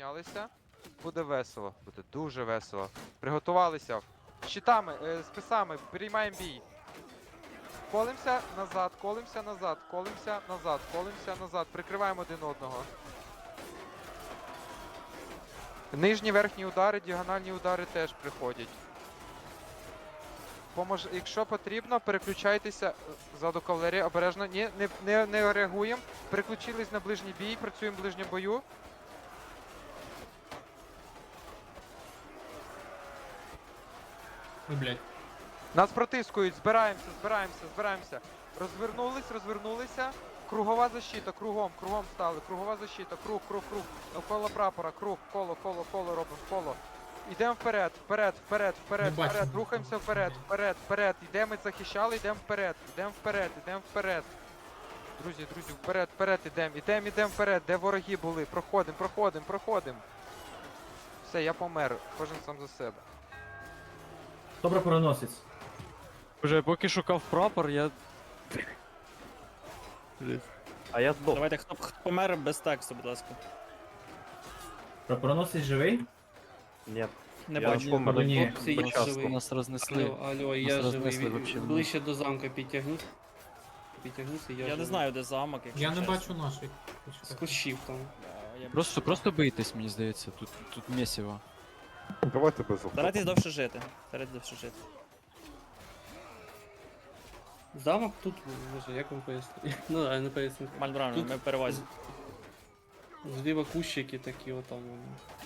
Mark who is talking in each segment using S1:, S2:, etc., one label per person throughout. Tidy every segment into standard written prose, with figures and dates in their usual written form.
S1: Піднялися. Буде весело. Буде дуже весело. Приготувалися. Щитами, списами, приймаємо бій. Колимся назад, колимся назад, колимся назад, колимся назад. Прикриваємо один одного. Нижні, верхні удари, діагональні удари теж приходять. Якщо потрібно, переключайтеся ззаду кавалерії, обережно. Ні, не реагуємо. Переключились на ближній бій, працюємо в ближньому бою.
S2: Ой, блядь.
S1: Нас протискують, збираємося. Розвернулися. Кругова защита, кругом стали. Кругова защита, круг. Навколо прапора, круг, коло робимо, коло. Йдемо вперед. Рухаємося вперед. Йдемо, захищали, йдемо вперед. Друзі, вперед ідемо вперед, де вороги були. Проходимо. Все, я помер, кожен сам за себе.
S3: Добре переносець.
S4: Вже поки шукав прапор, я.
S5: А я здох.
S6: Давайте, хто помер без тексту, будь ласка.
S3: Прапороносець живий?
S5: Ні.
S6: Не
S5: Я
S6: бачу.
S5: помер.
S3: Ну, ні.
S2: Хлопці, я
S5: Почасно.
S2: живий.
S4: Нас рознесли.
S2: Алло,
S4: Нас
S2: я
S4: рознесли
S2: живий.
S4: вообще в
S2: Ближче до замка підтягнусь. Підтягнуся, я
S6: Я
S2: живий.
S6: не знаю, де замок, якщо
S2: Я не
S6: чесно.
S2: бачу наших. З кущів там.
S6: Я
S4: Просто бийтесь, мені здається, тут місіво.
S7: Давайте без
S6: Старайтесь довше жити.
S2: Замок тут, боже, як вам пояснити? Ну да, я не поясню.
S6: Мальбрано,
S2: Тут-
S6: ми перевозимо.
S2: Зліва кущики такі отам. вони.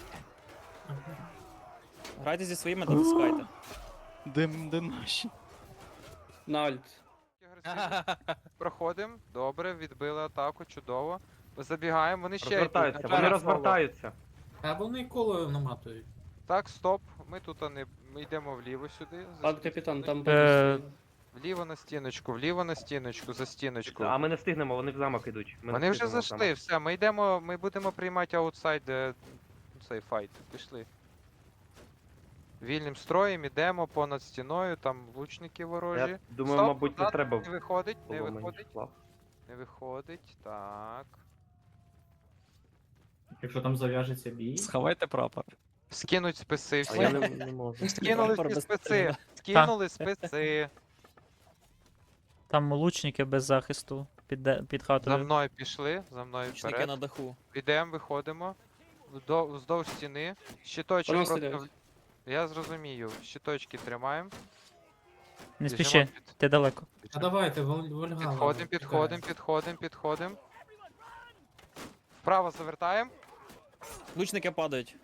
S6: Грайте зі своїми, дотискайте.
S4: Де наші?
S2: На альт.
S1: Проходимо, добре, відбили атаку, чудово. Забігаємо, вони ще
S5: Розвертаються,
S1: йдуть.
S5: вони
S1: Зараз
S5: розвертаються.
S2: А вони коло наматують.
S1: Так, стоп. Ми тут ми йдемо вліво сюди.
S2: Пан капітан, там
S4: Е,
S2: буде.
S1: Вліво на стіночку, за стіночку.
S5: А ми не встигнемо, вони в замок ідуть. Ми не
S1: Вони вже
S5: встигнемо в
S1: зайшли,
S5: замок.
S1: все, ми будемо приймати аутсайд цей файт. Пішли. Вільним строєм ідемо понад стіною, там лучники ворожі.
S5: Я думаю,
S1: Стоп,
S5: мабуть, не
S1: назад,
S5: треба
S1: Не виходить,
S5: було мені слав.
S1: так.
S3: Якщо там зав'яжеться бій.
S4: Сховайте прапор.
S1: Скинуть списи
S5: А я
S1: всі.
S5: не можу.
S1: Скинули
S6: Прапор
S1: всі
S6: без
S1: списи. Скинули списи.
S8: Там лучники без захисту під
S1: За
S8: хатою.
S1: мною пішли, за мною
S6: Учники
S1: вперед.
S6: на даху.
S1: Ідемо, виходимо. Вздовж стіни. Щиточок
S2: Воно
S1: просто.
S2: стріляють.
S1: Я зрозумію. Щиточки тримаємо.
S8: Не
S1: Біжимо
S8: спіши, ти далеко.
S2: А давайте, Вольгала.
S1: Підходимо. Вправо завертаємо.
S6: Лучники падають.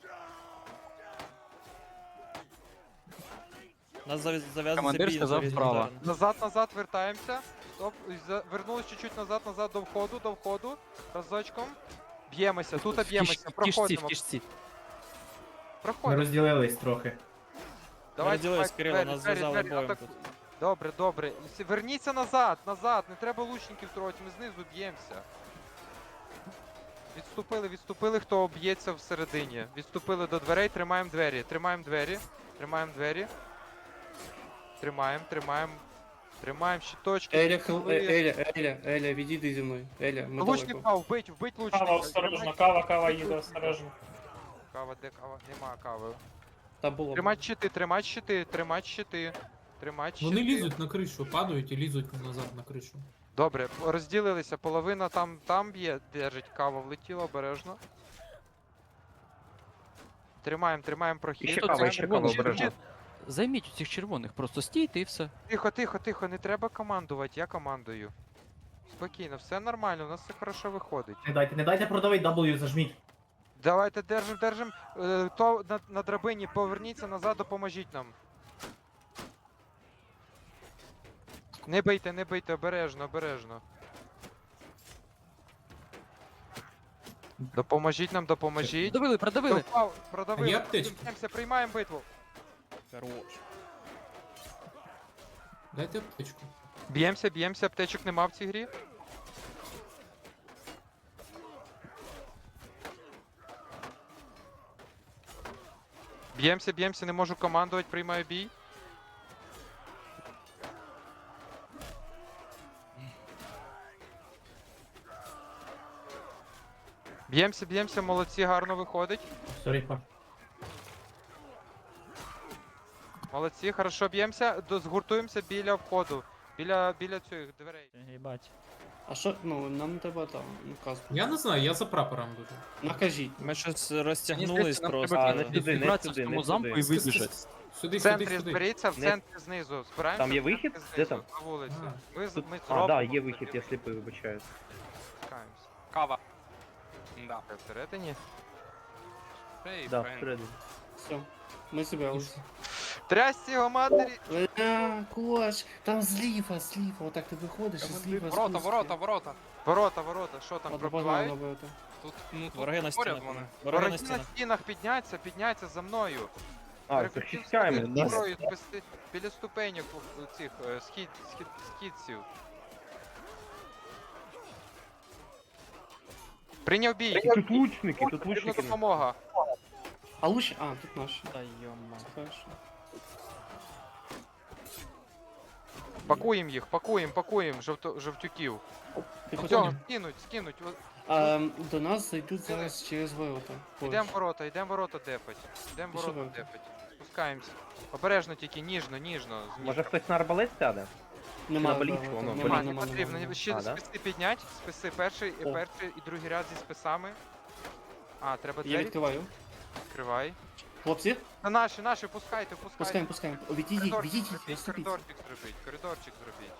S6: Нас зав'язується
S4: Командир
S6: бій
S4: сказав
S6: за різні
S4: вправо.
S6: удари.
S1: Назад вертаємося. Стоп. Вернулись чуть-чуть назад до входу. Разочком. Б'ємося, тут б'ємося.
S4: В
S1: Проходимо.
S4: кішці.
S3: Ми
S1: Проходимо.
S3: розділились трохи.
S1: Давайте,
S6: розділились, Кирило,
S1: двері,
S6: нас
S1: двері,
S6: зв'язали
S1: двері,
S6: боєм
S1: атак-
S6: тут.
S1: Добре. Верніться назад. Не треба лучників трогати, ми знизу б'ємося. Відступили, хто б'ється всередині. Відступили до дверей, тримаємо двері. Тримаємо щиточки.
S2: Еля, відійди зі мною. Еля, ми
S1: Лучник
S2: далеко.
S1: впав, вбить лучника.
S9: Кава, осторожно, кава їде, осторожно.
S1: Кава, де кава? Нема кави.
S2: Та було.
S1: Тримать щити.
S2: Вони лізуть на кришу, падають і лізуть назад на кришу.
S1: Добре, розділилися, половина там б'є, держить, кава влетіла обережно. Тримаємо прохід.
S5: Ще
S4: Тут
S5: кава,
S4: червоний
S5: обережно.
S4: Займіть у цих червоних, просто стійте і все.
S1: Тихо, не треба командувати, я командую. Спокійно, все нормально, у нас все хорошо виходить.
S3: Не дайте продавити W, зажміть.
S1: Давайте держим. То на драбині поверніться назад, допоможіть нам. Не бийте, обережно. Допоможіть нам.
S4: Продавили.
S1: Продавили.
S2: Є аптечки?
S1: Приймаємо битву.
S6: Хорош.
S2: Дайте аптечку.
S1: Б'ємося, аптечок нема в цій грі. Б'ємося, не можу командувати, приймаю бій. Б'ємося, молодці, гарно виходить.
S3: Сорі, пар.
S1: Молодці, хорошо б'ємося, згуртуємося біля входу. Біля цих дверей.
S8: Їбать.
S9: А що, ну, нам треба там, казку.
S2: Я не знаю, я за прапором дуже.
S9: Накажіть.
S6: Ми щось
S4: Мені
S6: розтягнулись
S4: здається, нам
S6: просто.
S4: треба
S5: А, не сюди, не
S4: зібратися в
S5: сюди,
S4: тому
S5: не
S4: замку і
S5: сюди.
S4: вибіжати.
S2: Сюди,
S1: В
S2: сюди,
S1: центрі
S2: сюди.
S1: зберіться, в
S5: Не-
S1: центрі знизу. Збираємося
S5: Там є
S1: в центрі
S5: вихід? Де
S1: знизу,
S5: там?
S1: на вулиці.
S2: А.
S1: Ми
S5: А,
S1: зробимо.
S5: да, є
S1: тоді.
S5: вихід, я сліпий, вибачаю.
S1: Спускаємося.
S10: Кава. Да.
S1: Всередині.
S5: Да, всередині.
S9: Все. Ми зібралися.
S1: Трясці його матері!
S9: Кош, там зліва, отак ти виходиш, і зліва
S10: Ворота,
S9: спуск.
S10: ворота.
S1: Ворота, що там
S9: От
S1: пробивають?
S9: бажано ворота.
S10: Тут, ну, тут
S6: Вороги на
S10: поряд
S6: стінах.
S10: вони.
S6: Вороги на
S1: Вороги на
S6: стінах.
S1: стінах, підняться за мною.
S5: А, захищаємо.
S1: Зброю спасти біля ступеньок цих східців. Прийняв бій.
S5: Тут лучники, тут
S1: Потрібна
S5: лучники.
S1: допомога.
S9: А лучше, тут наші.
S6: Та йома.
S9: Хорошо.
S1: Пакуємо їх, пакуємо жовтюків.
S9: Ти
S1: Цього
S9: потім.
S1: скинуть.
S9: До нас зайдуть зараз через ворота.
S1: Йдемо ворота депать. Йдемо
S9: Пішли
S1: ворота
S9: ворота.
S1: депать. Спускаємося. Обережно тільки, ніжно.
S5: Може хтось на арбалет сяде?
S9: Нема,
S5: На боліт,
S9: ворота.
S5: воно,
S1: Нема,
S5: боліт.
S1: не потрібно. Ще
S5: А, да?
S1: списи піднять. Списи перший
S9: О.
S1: і другий ряд зі списами. А, треба
S9: Я
S1: двері
S9: відкриваю.
S1: відкривай.
S9: Хлопці,
S1: Наші, пускайте.
S9: пускаємо. Відійдіть, відступіть.
S1: Коридорчик зробіть.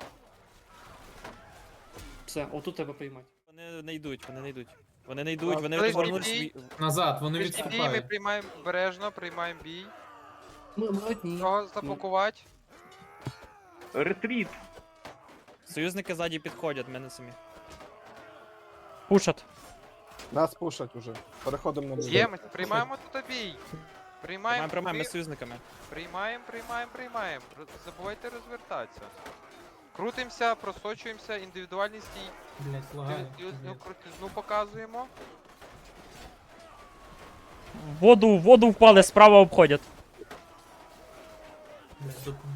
S9: Все, отут треба приймати.
S6: Вони не йдуть. Вони
S1: Ближній
S6: розвернулись.
S1: бій.
S2: Назад, вони
S1: Ближній бій, ми
S2: відступають.
S1: приймаємо обережно, приймаємо бій.
S9: Ми одні.
S1: Його запакувати.
S5: Ретріт.
S6: Союзники ззаді підходять, мене самі.
S8: Пушат.
S7: Нас пушать уже. Переходимо на бій.
S1: Б'ємося, приймаємо тут бій.
S6: Приймаємо, ми з союзниками.
S1: Приймаємо. Забувайте розвертатися. Крутимося, просочуємося, індивідуальний стій.
S2: Блять, лагає.
S1: Крутизну показуємо.
S8: В воду впали, справа обходять.
S2: Блять, допомогу.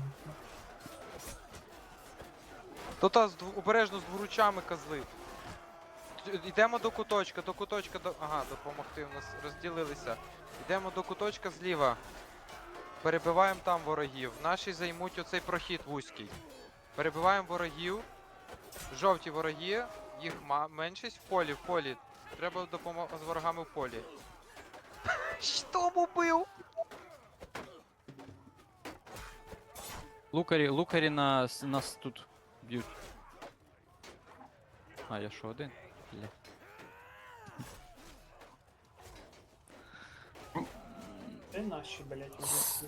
S1: Тут обережно з дворучами козли. Йдемо до куточка. Ага, допомогти у нас розділилися. Йдемо до куточка зліва. Перебиваємо там ворогів. Наші займуть оцей прохід вузький. Перебиваємо ворогів. Жовті вороги, їх меншість в полі. Треба допомога з ворогами в полі. Що убив?
S4: Лукарі нас тут б'ють. А, я що, один? Бля.
S9: Де наші, блять, вже?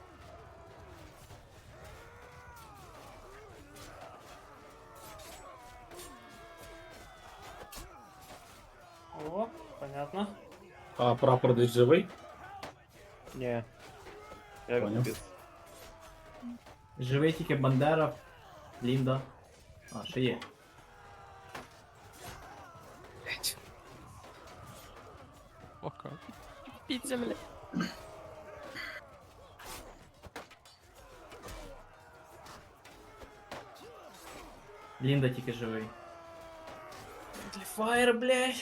S9: О, понятно.
S3: А прапор десь живий?
S5: Ні. Я
S3: Поняв.
S5: відбив.
S3: Живий тільки Бандера, Лінда. А, ще є.
S4: Ока. Піця, бля.
S3: Лінда тільки живий.
S9: Фаєр, блять.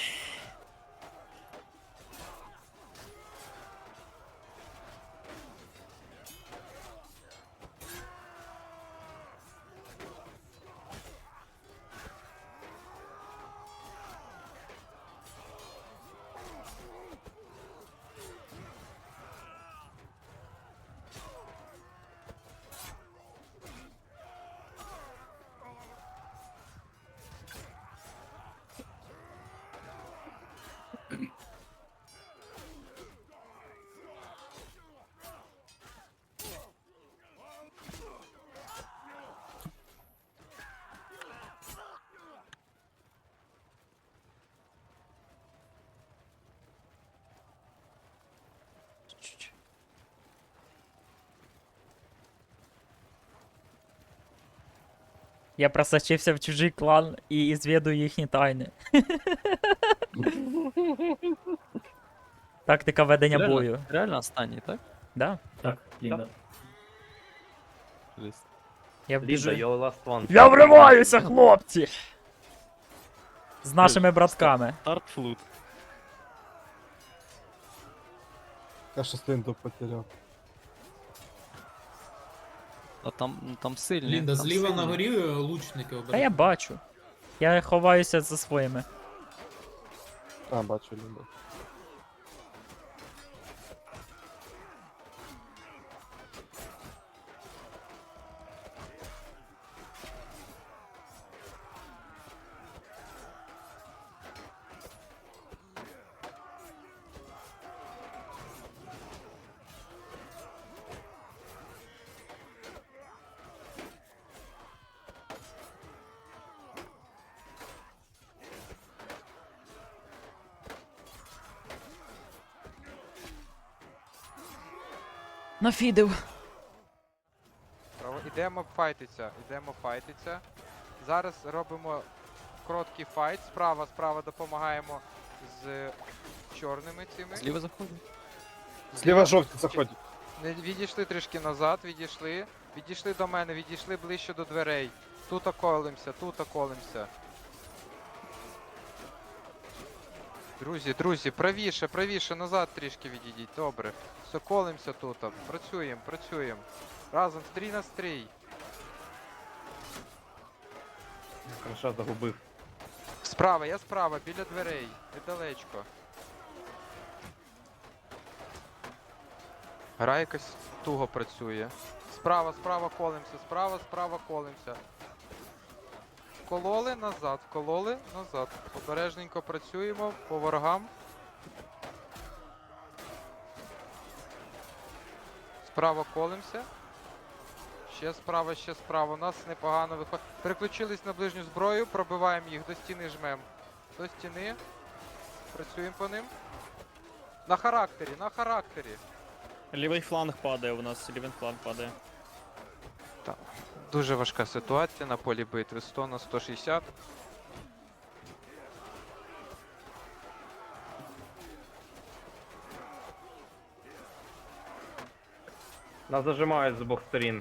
S8: Я просочився в чужий клан і звідую їхні тайни. Тактика ведення бою.
S4: Реально останній, так?
S8: Да?
S3: Так, Лінда.
S8: Я
S5: Ліза,
S8: біжу.
S5: your last one.
S8: Я вриваюся, хлопці! З нашими братками.
S4: Стартфлут.
S7: Я щось лінду потеряв.
S4: А там сильні.
S2: Лінда,
S4: там
S2: зліва
S4: сильні.
S2: на горі лучники
S8: Та я
S2: обережно.
S8: бачу. Я ховаюся за своїми.
S7: А, бачу лінду.
S8: Нафідив.
S1: Ідемо файтиться. Зараз робимо короткий файт. Справа допомагаємо з чорними цими.
S4: Зліва заходить.
S7: Зліва жовті заходять.
S1: Не відійшли трішки назад, відійшли. Відійшли до мене, відійшли ближче до дверей. Тут колимся. Друзі, правіше, назад трішки відійдіть. Добре. Все, колимся тут. Працюємо. Разом, стрій на стрій.
S5: Хорошо, загубив.
S1: Я справа, біля дверей. Недалечко. Гра якось туго працює. Справа колимся. Вкололи назад. Обережненько працюємо по ворогам. Справа колимся. Ще справа. У нас непогано виходить. Переключились на ближню зброю, пробиваємо їх, до стіни жмем. До стіни. Працюємо по ним. На характері.
S6: Лівий фланг падає у нас, лівий фланг падає.
S1: Дуже важка ситуація на полі битви. 100 на 160.
S5: Нас зажимають з обох сторін.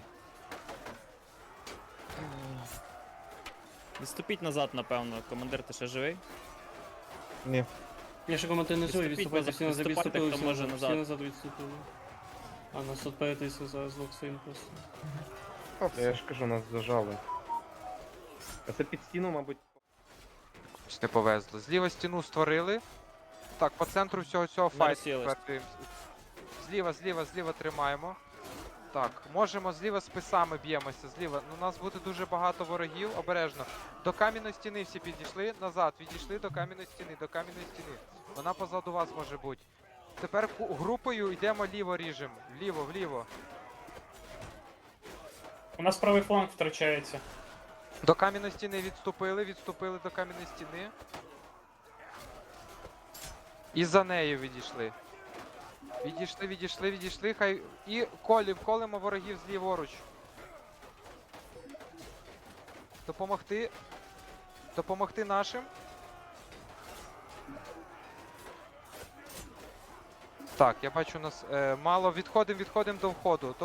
S6: Відступіть назад, напевно. Командир, ти ще живий?
S7: Ні.
S9: Я ще коментую не живий,
S6: Відступіть,
S9: відступайте, всі назад
S6: відступайте,
S9: відступили,
S6: хто
S9: всі
S6: може
S9: назад,
S6: назад.
S9: всі назад відступили. А нас тут перетисли зараз двох своїм просто.
S5: Я ж кажу, нас зажали. А це під стіну, мабуть.
S1: Щось не повезло. Зліва стіну створили. Так, по центру всього цього файту.
S6: розсілись.
S1: тепер зліва тримаємо. Так, можемо зліва списами б'ємося. Зліва. Ну, у нас буде дуже багато ворогів. Обережно. До кам'яної стіни всі підійшли. Назад. Відійшли до кам'яної стіни. Вона позаду вас може бути. Тепер групою йдемо ліво ріжемо. Вліво.
S2: У нас правий фланг втрачається.
S1: До кам'яної стіни відступили до кам'яної стіни. І за нею відійшли. Відійшли, хай. І колимо ворогів зліворуч. Допомогти нашим. Так, я бачу, у нас мало. Відходимо до входу.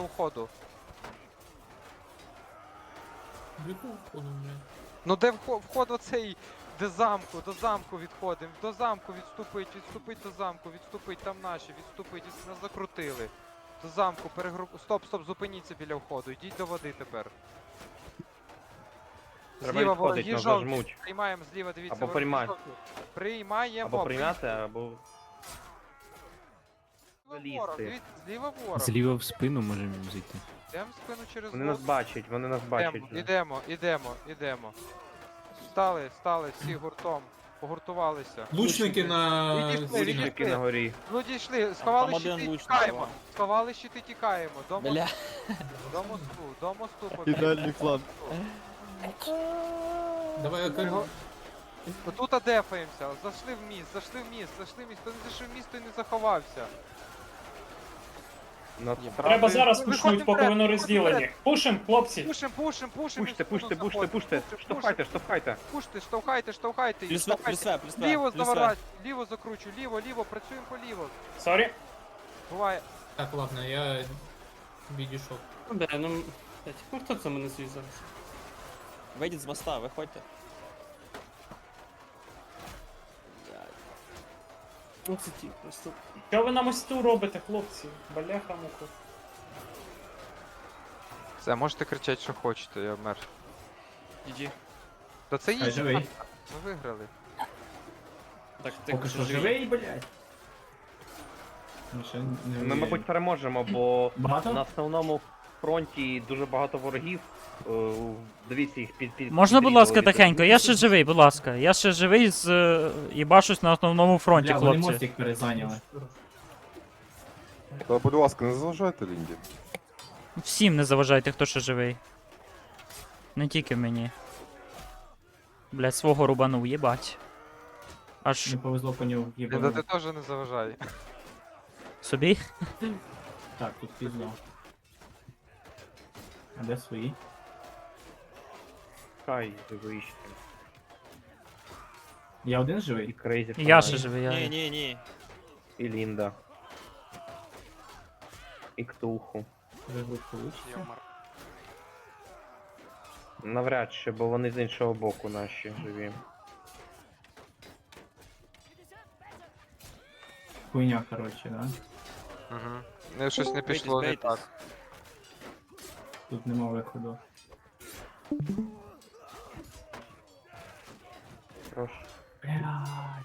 S2: До якого входу, блядь?
S1: Ну де вход оцей, до замку відходимо. До замку відступить до замку, там наші, нас закрутили. До замку, Стоп, зупиніться біля входу, йдіть до води тепер.
S5: Треба
S1: Зліва
S5: відходить,
S1: вороги
S5: нас
S1: жовті.
S5: зажмуть.
S1: Приймаємо зліва, дивіться.
S5: Або
S1: вороги
S5: приймати.
S1: жовті. Приймаємо.
S5: Або прийняти, або
S1: Зліва ворог,
S5: залізти.
S1: дивіться, зліва ворог.
S4: Зліва в спину можемо зайти.
S1: Йдемо в спину через
S5: вони
S1: воду.
S5: нас бачать. вже.
S1: Ідемо. Стали всі гуртом. Погуртувалися.
S2: Лучники на...
S1: Відійшли,
S5: Лучники на горі.
S1: Ну дійшли,
S6: Там
S1: сховали
S6: один
S1: щити,
S6: лучник,
S1: тікаємо.
S6: два.
S1: Сховали щити, тікаємо. До
S4: Бля.
S1: мосту побігли.
S7: Ідеальний план.
S2: Давай я кажу.
S1: Тут адефаємося. Зайшли в міст. Хто не зайшов в міст, той не заховався.
S5: Насправді-
S2: Треба зараз
S1: Виходимо
S2: пушнуть, поки
S1: вперед,
S2: воно
S1: виходимо
S2: розділені.
S1: вперед.
S2: Пушим, хлопці.
S1: Пушим.
S5: Пуште. Штовхайте.
S1: Пуште, штовхайте. їх,
S6: Плюс
S1: штовхайте.
S6: плюс
S1: Ліво заворать, ліво закручу, ліво, працюємо по ліво.
S2: Сорі.
S1: Буває.
S2: Так, ладно, я відійшов.
S9: Ну да, ну... блядь, ну хто це мене свій зараз?
S6: Вийдіть з моста, виходьте.
S9: Оце ті просто.
S2: Що ви на мосту робите, хлопці? Балеха муха.
S1: Все, можете кричати, що хочете, я вмер.
S10: Іди.
S1: Та це
S3: Хай
S1: їй.
S3: живий.
S1: Ми виграли.
S6: Так, ти
S3: Поки що живий, блядь. Ну, ще не
S5: Ми,
S3: вміємо.
S5: мабуть, переможемо, бо
S3: Багато?
S5: на основному фронті дуже багато ворогів. Дивіться їх під
S8: Можна, будь ласка,
S5: підрізали.
S8: тихенько? Я ще живий, будь ласка. Я ще живий з їбашусь на основному фронті,
S3: Бля, вони
S8: хлопці.
S3: мостик перезайняли.
S7: Та, будь ласка, не заважайте Лінді.
S8: Всім не заважайте, хто ще живий. Не тільки мені. Блядь, свого рубанув, їбать. Аж
S3: Не повезло по нього
S1: Лінда,
S3: їбану.
S1: ти теж не заважай.
S8: собі.
S3: Так, тут пізно. А де свої?
S5: Хай живий ще.
S3: Я один
S5: І
S3: живий?
S5: Крейзі.
S8: Я ще живий, я.
S6: Ні.
S5: І Лінда. І Ктулху.
S3: Вигруть получиться.
S10: Йомар.
S5: Навряд чи, бо вони з іншого боку наші живі.
S3: Хуйня, коротше, да?
S1: Угу. Щось не пішло не
S6: Бійтесь,
S1: так.
S3: Тут нема виходу.
S5: Прошу.
S3: Блядь.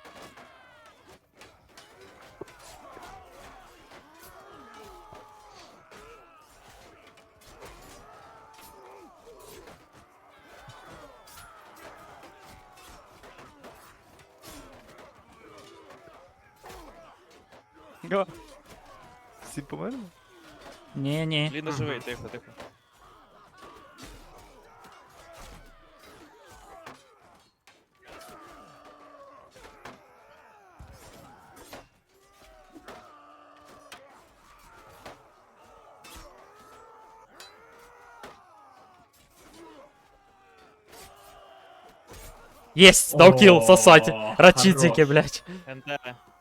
S4: Всі померли?
S8: Ні, ні.
S6: Ліна живий, тихо.
S8: Єсть, дав кіл, сосать.
S3: О,
S8: Рачицики,
S3: хорош.
S8: блядь.
S6: НТ.